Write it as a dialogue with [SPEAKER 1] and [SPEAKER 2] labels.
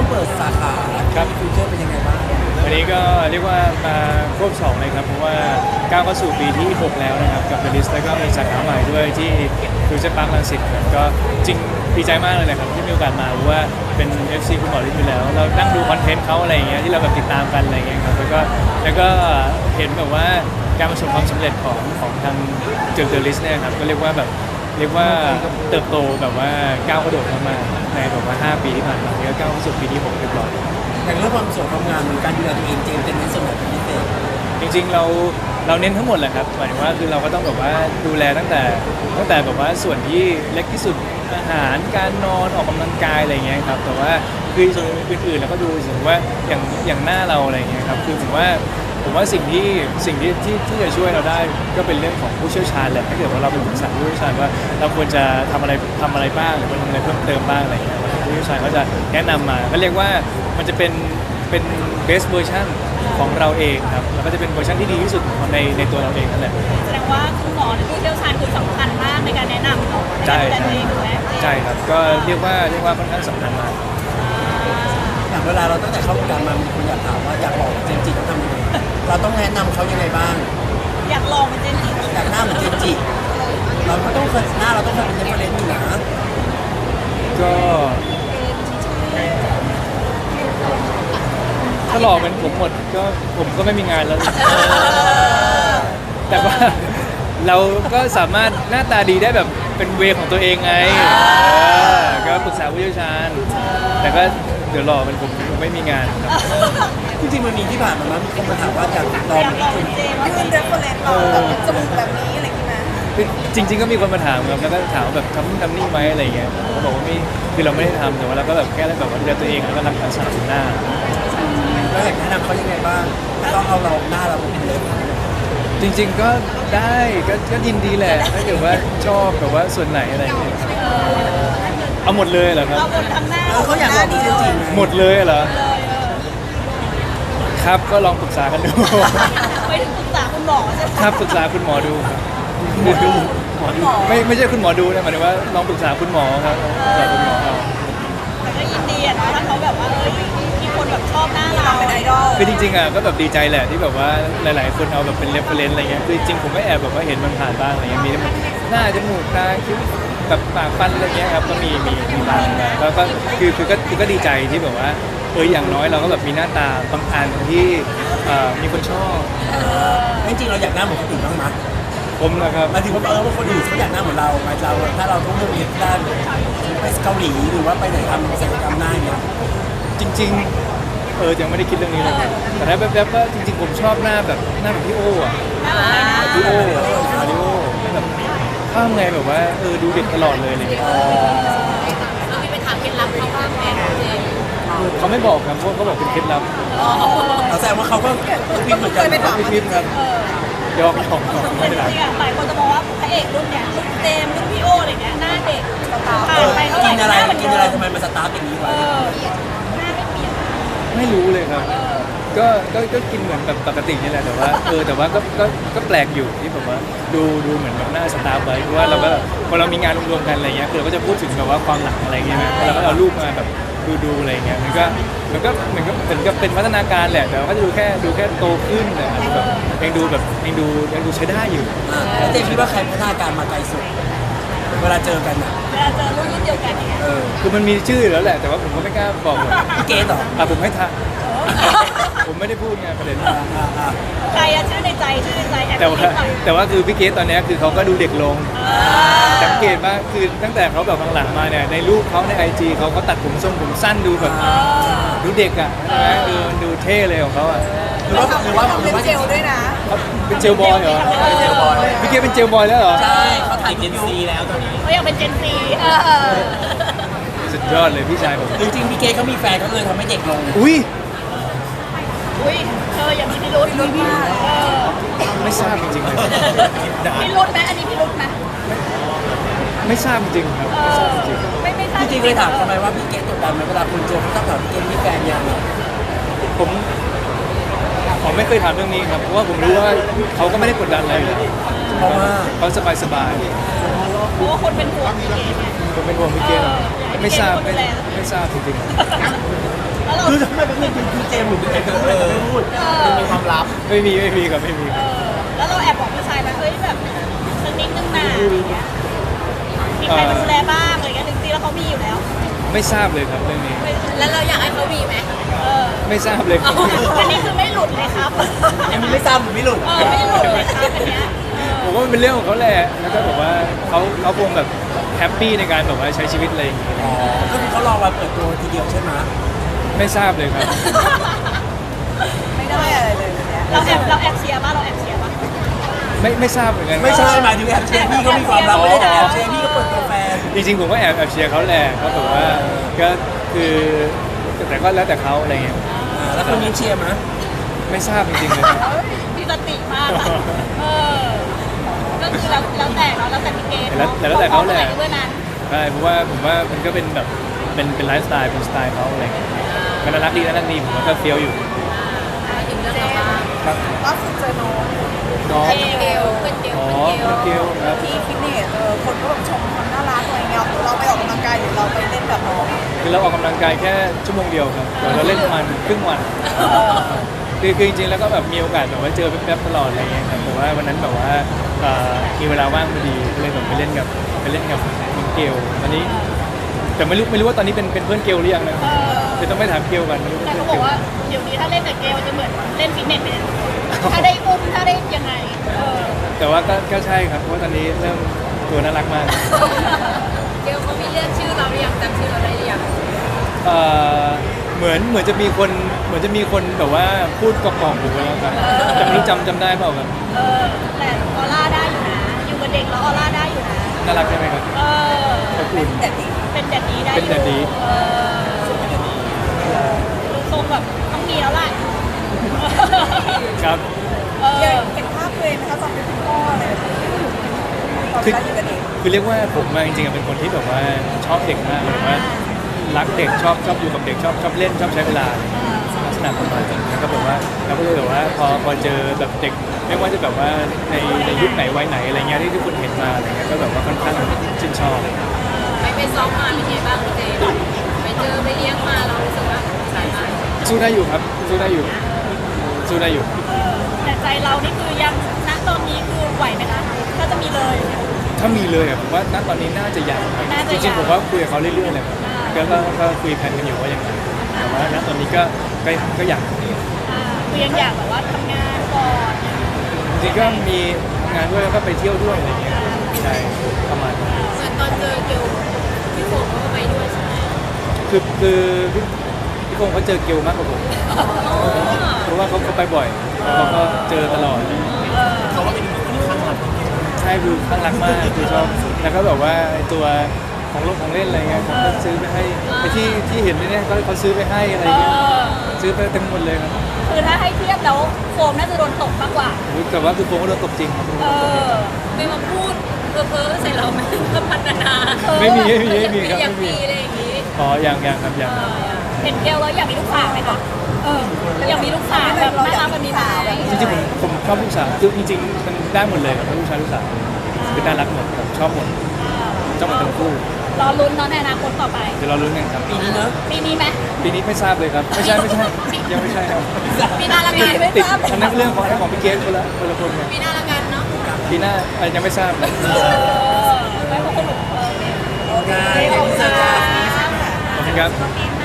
[SPEAKER 1] เปิดสาขาครับฟิวเจอร์เป็นยังไงบ้าง
[SPEAKER 2] วันนี้ก็เรียกว่ามาควบ2เลยครับเพราะว่าก้าวเข้าสู่ปีที่6แล้วนะครับกับ The List แล้วก็มีสาขาใหม่ด้วยที่ฟิวเจอร์พาร์ครังสิตครับก็จริงดีใจมากเลยนะครับที่มีโอกาสมาเพราะว่าเป็น FC คุณหมอฤทธิ์อยู่แล้วเรานั่งดูคอนเทนต์เขาอะไรอย่างเงี้ยที่เราแบบติดตามกันอะไรอย่างเงี้ยครับแล้วก็เห็นแบบว่าการประสบความสำเร็จของทางThe List เนี่ยครับก็เรียกว่าเติบโตแบบว่าก้าวกระโดดเข้ามาในแบบว่า5 ปีที่ผ่านมาแล้วก็ก้าวเข้าสู่ปีที่6เรียบร้อย
[SPEAKER 1] อย่างเรื่องความสวยความงามหรือการดูแลตัวเองเจมส์เป็นในส่วนไหนเป็นพิเศษ
[SPEAKER 2] จริงๆเราเน้นทั้งหมดแหละครับหมายถึงว่าคือเราก็ต้องแบบว่าดูแลตั้งแต่แบบว่าส่วนที่เล็กที่สุดอาหารการนอนออกกำลังกายอะไรเงี้ยครับแต่ว่าคือส่วนอื่นๆเราก็ดูถึงว่าอย่างหน้าเราอะไรเงี้ยครับคือผมว่าสิ่งที่จะช่วยเราได้ก็เป็นเรื่องของผู้เชี่ยวชาญแหละถ้าเกิดว่าเราไปปรึกษาผู้เชี่ยวชาญว่าเราควรจะทำอะไรบ้างหรือว่าทำอะไรเพิ่มเติมบ้างอะไรเงี้ยผู้เชี่ยวชาญก็จะแนะนำมาก็เรียกว่ามันจะเป็นbest version ของเราเองครับแล้วก็จะเป็นเวอร์ชันที่ดีที่สุดในตัวเราเองนั่นแหละ
[SPEAKER 3] แสดงว่าคุณหมอหรือผู้เชี่ยวชาญคือสำคัญมากในการแนะนำเราในการดูแลตัวเองถูกไหม
[SPEAKER 2] ใช่ครับก็เรียกว่าค่อนข้างสำคัญมาก
[SPEAKER 1] อย่างเวลาเราตั้งแต่เข้าวงการมามีคนอยากถามว่าอยากบอกเจมส์จิต้องทำยังไงเราต้องแนะนำเขายังไงบ้าง
[SPEAKER 3] อยากลองเป็นเจนจิ
[SPEAKER 1] อยากหน้าเหมือนเจมส์จิเราก็ต้องเคยหน้าเราต้องเคยเป็นเรฟเฟอเรนซ์อยู่นะ
[SPEAKER 2] ก็ถ้าหล่อเป็นผมหมดก็ผมก็ไม่มีงานแล้วแต่ว่าเราก็สามารถหน้าตาดีได้แบบเป็นเวของตัวเองไงก็ปรึกษาผู้เชี่ยวชาญแต่ก็เดี๋ยวหล่อเป็นผมไม่มีงานครับ
[SPEAKER 1] จริงๆมันมีที่ผ่านมามีคนมาถามว่าอยากลอง
[SPEAKER 3] เป็นเจมยื่นเรฟเฟอเรนซ์เราแบบจมูกแบบนี้อะไรอย่างนี้ไหม
[SPEAKER 2] จริงๆก็มีคนมาถามครับแล้วก็ถามแบบทำนี่ไหมอะไรเงี้ยเขาบอกว่าไม่คือเราไม่ได้ทำแต่ว่าเราก็แบบแค่แบบว่าดูแลตัวเองแล้วก็รักษาสุขภาพ
[SPEAKER 1] แล้วอยากแนะนำเขายังไงบ้างถ้าต้องเอาเราหน้าเราเป็นเล็บ
[SPEAKER 2] จริงๆก็ได้ก็ยินดีแหละถ้าเกิดว่าชอบแบบว่าส่วนไหนอะไรเงี้ยเอาหมดเลยเหรอครับ
[SPEAKER 3] เอาหมดทั้งหน้า
[SPEAKER 1] เขาอยากลองจริง
[SPEAKER 2] หมดเลยเหรอครับก็ลองปรึกษากันดู
[SPEAKER 3] ไปถึงปรึกษาคุณหมอใช่ไหม
[SPEAKER 2] ครับปรึกษาคุณหมอดูครับหมอดูไม่ใช่คุณหมอดูนะหมายถึงว่าลองปรึกษาคุณหมอครับปรึกษาคุณหมอเอา
[SPEAKER 3] แต่ก็ยินดีอะนะถ้าเขาแบบว่ามีคนแบบชอบหน้าเราเป็นไอดอล
[SPEAKER 2] คือจริงๆอ่ะก็แบบดีใจแหละที่แบบว่าหลายๆคนเอาแบบเป็นเรฟเฟอเรนซ์อะไรเงี้ยคือจริงผมไม่แอบแบบว่าเห็นมันผ่านบ้างอะไรเงี้ยมีหน้าจมูกตาคิ้วแบบปากฟันอะไรเงี้ยครับก็มีบ้างแล้วก็คือก็ดีใจที่แบบว่าอย่างน้อยเราก็แบบมีหน้าตาบางอันที่มีคนชอบ
[SPEAKER 1] จริงๆเราอยากหน้าเหมือนคนอื่นบ้างไหม
[SPEAKER 2] ผมนะครับ
[SPEAKER 1] มาถึงว่าว่าคนอื่นเขาอยากหน้าเหมือนเราไหมเราถ้าเราต้องเลือกเรียนด้านไปเกาหลีหรือว่าไปไหนทำศัลยกรรมหน้าอย่างเงี้ย
[SPEAKER 2] จริงๆยังไม่ได้คิดเรื่องนี้เลยแต่ถ้าแบบก็จริงๆผมชอบหน้าแบบพี่โอ้อะพี่โอ้แบบข้ามไงแบบว่าดูเด็กตลอดเลยอะไรเงี้ย
[SPEAKER 3] มีไปถามเคล็ดลับเขาบ้างไหม
[SPEAKER 2] เขาไม่บอกครับเพราะเขาบอกเป็นเคล็ดลับ
[SPEAKER 1] เราแสดงว่าเขาก็พิมพ์เหมือนกัน
[SPEAKER 2] ไม่พิมพ์ครับยอมไม่ได้
[SPEAKER 3] จริงๆหลายคนจะมองว่าพระเอกรุ่นเนี้ยรุ่นเจมรุ่นพี่โออะไรเงี้ยหน้าเด็ก
[SPEAKER 1] กินอะไรทำไมมันสตาร์ทอย่างนี้วะ
[SPEAKER 3] หน้าไม่เปลี่ยน
[SPEAKER 2] ไม่รู้เลยครับก็กินเหมือนแบบปกตินี่แหละแต่ว่าแต่ว่าก็แปลกอยู่ที่แบบว่าดูเหมือนแบบหน้าสตาร์ทไว้เพราะว่าเราก็พอเรามีงานรวมๆกันอะไรเงี้ยคือเราก็จะพูดถึงแบบว่าความหลังอะไรเงี้ยนะเราก็เอารูปมาแบบดูอะไรเงี้ยมันก็เหมือนกับเป็นพัฒนาการแหละแต่ว่าก็จะดูแค่โตขึ้นแต่แบบยังดูใช้ได้อยู่
[SPEAKER 1] เจมคิดว่าใครพัฒนาการมาไกลสุดเวลาเจอกัน
[SPEAKER 3] เวลาเจอรุ่นเดียวกันเนี่ย
[SPEAKER 2] คือมันมีชื่อแล้วแหละแต่ว่าผมก็ไม่กล้าบอก
[SPEAKER 1] พี่เกตเหรอ
[SPEAKER 2] ผมไม่ทักผมไม่ได้พูดไงประเด็น
[SPEAKER 3] ใครชื่อในใจ
[SPEAKER 2] แต่ว่าคือพี่เกตตอนนี้คือเขาก็ดูเด็กลงสังเกตว่าคือตั้งแต่เขาแบบหลังๆมาเนี่ยในรูปเขาใน IG เขาก็ตัดผมทรงผมสั้นดูแบบดูเด็กอ่ะใช่ไหมดูเท่เลยของเขาอ่ะ
[SPEAKER 1] หรือว่า
[SPEAKER 3] เป็นเจลด้วยนะ
[SPEAKER 2] เป็นเจลบอยเหรอพี่เกตเป็นเจลบอยแล้วเหรอ
[SPEAKER 1] ใช่เขาถ่ายเจนซีแล้วตอนนี้
[SPEAKER 3] เขาอยากเป็นเจนซี
[SPEAKER 2] สุดยอดเลยพี่ชายผม
[SPEAKER 1] จริงๆพี่เกตเขามีแฟนเขาเลยทำให้เด็กลง
[SPEAKER 2] อุ้ย
[SPEAKER 3] เธออย่างนี้พี่รุ่น
[SPEAKER 2] ไม่ทราบจริงๆเลย
[SPEAKER 3] พี่รุ่นไหมอันนี้พี่รุ่นไหม
[SPEAKER 2] ไม่ทราบจริงครับไม่ทราบจริง
[SPEAKER 3] ไม่ทราบ
[SPEAKER 1] จริงๆเลยถามทำไมว่าพี่เกตกดดันไหมเวลาคุณเจอเขาต้องถามพี่เกตมีแฟนยัง
[SPEAKER 2] ผมไม่เคยถามเรื่องนี้ครับเพราะว่าผมรู้ว่าเขาก็ไม่ได้กดดันอะไรเลย
[SPEAKER 1] เพราะว่า
[SPEAKER 2] เขาสบาย
[SPEAKER 3] เพราะว่าคนเป็นห่วงพี่เกต
[SPEAKER 2] คนเป็นห่วงพี่เกตไม่ทราบ
[SPEAKER 3] ให้พี่เกณฑ์เป็นคนดูแล
[SPEAKER 2] ไม่ทราบจริง
[SPEAKER 3] แล้วเรา
[SPEAKER 1] คือทำไมเป็นคือเจมส์หรือเป็นใครเป็นคนไม่พูดมันมีความลับ
[SPEAKER 2] ๆไม่มีครับไม่มี
[SPEAKER 3] แล้วเราแอบบอกพี่ชายไหมเฮ้ยแบบสักนิดนึงนะอะไรเงี้ยมีใครมาดูแลบ้างอะไรเงี้ยจริงๆแล้วเขามีอยู่แล้ว
[SPEAKER 2] ไม่ทราบเลยครับเรื่องนี้
[SPEAKER 3] แล้วเราอยากให้เขามีไหม
[SPEAKER 2] ไม่ทราบเลยครับ
[SPEAKER 3] อันนี้คือไม่หลุดเลยครับ
[SPEAKER 1] อันนี้ไม่ซ้ำหรือไม่หลุด
[SPEAKER 3] ไม่หลุดเลยครับอันเนี้ย
[SPEAKER 2] ผมว่ามันเป็นเรื่องของเขาแหละแล้วก็แบบว่าเขาคงแบบแฮปปี้ในการแบบว่าใช้ชีวิตอะไรอย่างงี้
[SPEAKER 1] อ๋อก็คือเขารอวันเปิดตัวทีเดียวใช่ไหม
[SPEAKER 2] ไม่ทราบเลยครับ
[SPEAKER 3] ไม่ได้อะไรเลยเราแอบเชียร์ป่ะเราแอบเชียร์ป่ะ
[SPEAKER 2] ไม่ทราบเหมือนกัน
[SPEAKER 1] ไม่ใช่หมายถึงแอบเชียร์พี่ก็มีความลับไม่ได้แอบเชียร์พี่ก็เปิดตัวแฟน
[SPEAKER 2] จริงๆผมก็แอบเชียร์เขาแหละเขาแบบว่าก็คือแต่ก็แล้วแต่เขาอะไรเงี้ย
[SPEAKER 1] แล้วคนนี้เชียร์มั้ย
[SPEAKER 2] ไม่ทราบจริงๆเลยครับ
[SPEAKER 3] พี่สติมากอะก็คือแล้วแต่เราแล้วแต่พี่เกณฑ์
[SPEAKER 2] แล้วแต่เขาแหละ
[SPEAKER 3] เพื่อนนั้น
[SPEAKER 2] ใช่เพราะว่าผมว่ามันก็เป็นแบบเป็นไลฟ์สไตล์เป็นสไตล์เขาอะไรเงี้ยมันน่ารักดีผมว่าก็เฟี้ยวอยู่
[SPEAKER 3] ถึงเรื่องเราบ้าง
[SPEAKER 2] ครับ
[SPEAKER 4] ล่าสุดเจอน้อง
[SPEAKER 2] น้อง
[SPEAKER 3] เกลเป็นเกล
[SPEAKER 2] อ๋อ
[SPEAKER 3] เป็นเกล
[SPEAKER 2] เกลครับ
[SPEAKER 4] ที่ฟิตเนสคนก็แบบชมความน่ารักอะไรเงี้ยเราไปออกกำลังกายหรือเราไปเล่นกับน้อง
[SPEAKER 2] คือเราออกกำลังกายแค่ชั่วโมงเดียวครับเดี๋ยวเราเล่นประมาณครึ่งวันคือจริงๆแล้วก็แบบมีโอกาสแบบว่าเจอแป๊บๆตลอดอะไรเงี้ยครับแต่ว่าวันนั้นแบบว่ามีเวลาว่างพอดีก็เลยแบบไปเล่นกับน้องเกลตอนนี้แต่ไม่รู้ว่าตอนนี้เป็นเพื่อนเกลหรือยังนะเดี๋ยวต้องไปถามเกลกันไม่รู้เป็น
[SPEAKER 3] แต่
[SPEAKER 2] เพื่อน
[SPEAKER 3] เขาบ
[SPEAKER 2] เก
[SPEAKER 3] อก
[SPEAKER 2] ล
[SPEAKER 3] ว่าเดี๋ยวนี้ถ้าเล่นกับเกลจะเหมือนเล่นฟิตเนสไปเลยถ้าได้อุ้มถ้าได้ยังไง
[SPEAKER 2] แต่ว่าก็ใช่ครับเพราะว่าตอนนี้เริ่มตัวน่ารักมาก
[SPEAKER 3] เกลเขามีเรียกชื่อเราหรือยังจำชื่อเราได้หรือยัง
[SPEAKER 2] เหมือนจะมีคนแบบว่าพูดกล่อมๆหูไว้แล้วครับแต่ไม่รู้จำได้เปล่าครับ
[SPEAKER 3] แต่ออร่าได้อยู่นะ อยู่กับเด็กแล้วออร่าได้อยู่นะ
[SPEAKER 2] น่ารักใช่ไหมครับ ขอบคุณ
[SPEAKER 3] เป็นแดดดีได้อยู่
[SPEAKER 2] เป็นแดดดี
[SPEAKER 3] ดูทรงแบบต้องมีแล้วล่ะ
[SPEAKER 2] ครับ
[SPEAKER 4] เห็นภาพตัวเองไหมคะตอนเป็นคุณพ่ออะไรแบบนี้ตอนเวลาอยู่กับเด็ก
[SPEAKER 2] คือเรียกว่าผมจริงๆเป็นคนที่แบบว่าชอบเด็กมากหมายถึงว่ารักเด็กชอบอยู่กับเด็กชอบเล่นชอบใช้เวลาลักษณะประมาณนั้นแล้วก็แบบว่าเราก็เลยแบบว่าพอเจอแบบเด็กไม่ว่าจะแบบว่าในยุคไหนวัยไหนอะไรเงี้ยที่ทุกคนเห็นมาอะไรเงี้ยก็แบบว่าค่อนข้างชื่นชอบ
[SPEAKER 3] ไปซ้อมมาเป็นไงบ้างพี่เจไปเจอไปเลี้ยงมาเรารู้สึกว่าสายมาก
[SPEAKER 2] สู้ได้อยู่ครับสู้ได้อยู่
[SPEAKER 3] แต่ใจเรานี่คือยังณตอนนี้คือไหวไหมคะถ้าจะมีเลย
[SPEAKER 2] ถ้ามีเลยอะผมว่าณตอนนี้น่าจะยังครับ
[SPEAKER 3] น่าจะ
[SPEAKER 2] จ
[SPEAKER 3] ยัง
[SPEAKER 2] ริงๆผมว่าคุยกับเขาเรื่อยๆเลยครับก็คุยแผนกันอยู่ว่ายังไงแต่ว่าณตอนนี้ก็อยาก
[SPEAKER 3] คือยังอยากแบบว่าทำงานก่อน
[SPEAKER 2] จริงๆก็มีงานด้วยแล้วก็ไปเที่ยวด้วยอะไรเงี้ยใช่ประมาณนั้น
[SPEAKER 3] เหมือนตอนเจอเกลพี่โฟมเขาก็ไปด้วยใช่ไหม
[SPEAKER 2] คือพี่คงเขาเจอเกลมากกว่าผมเพราะว่าเขาไปบ่อยเขาก็เจอตลอด
[SPEAKER 1] เขาว่าเป็นคนที่ข้างหลัง
[SPEAKER 2] ใช่คือข้างรักมากคือชอบแล้วก็แบบว่าไอ้ตัวของเล่นอะไรเงี้ยเขาก็ซื้อไปให้ไอ้ที่เห็นเนี่ยเขาซื้อไปให้อะไรเงี้ยซื้อไปเต็มหมดเลยครับ
[SPEAKER 3] คือถ้าให้เทียบแล้วโฟมน่าจะโดนตกมากกว่า
[SPEAKER 2] แต่ว่าคือโฟมก็โดนตบจริงครับ
[SPEAKER 3] ไม่มาพูดเพ้อใส่เราไหมก็พัฒนา
[SPEAKER 2] ไม่มีครับ
[SPEAKER 3] อยาก
[SPEAKER 2] ไม่มี
[SPEAKER 3] มีอะไรอย่างนี้
[SPEAKER 2] อ๋อยังครับยัง
[SPEAKER 3] เห็นเกลแล้วอยากมีลูกสาวไหมคะอยากมีลูกสาวแบบน่ารักแบบนี้ไหม
[SPEAKER 2] จริงๆผมชอบลูกสาวคือจริงๆมันได้หมดเลยครับทั้งลูกชายลูกสาวคือน่ารักหมดครับชอบหมดทั้งคู่
[SPEAKER 3] รอลุ้นเนาะในอนาคตต่อไป
[SPEAKER 2] เดี๋ยวเราลุ้นกันครับ
[SPEAKER 1] ปีนี้เนอะ
[SPEAKER 3] ปีนี้ไหม
[SPEAKER 2] ปีนี้ไม่ทราบเลยครับไม่ใช่ยังไม่ใช่ครับ
[SPEAKER 3] ปีหน้าละกันไม่
[SPEAKER 2] ติด
[SPEAKER 3] ทราบ
[SPEAKER 2] อันนั้นเรื่องของพี่เกสคนละคนไง
[SPEAKER 3] ปีหน้าละกันเนาะ
[SPEAKER 2] ปีหน้ายังไม่ทราบครับ
[SPEAKER 3] ไม่เพราะคนแบบ
[SPEAKER 1] ได้
[SPEAKER 3] ขอบคุณ
[SPEAKER 1] เสร็จแล้ว
[SPEAKER 2] ขอบคุณครับ
[SPEAKER 3] ปีหน้า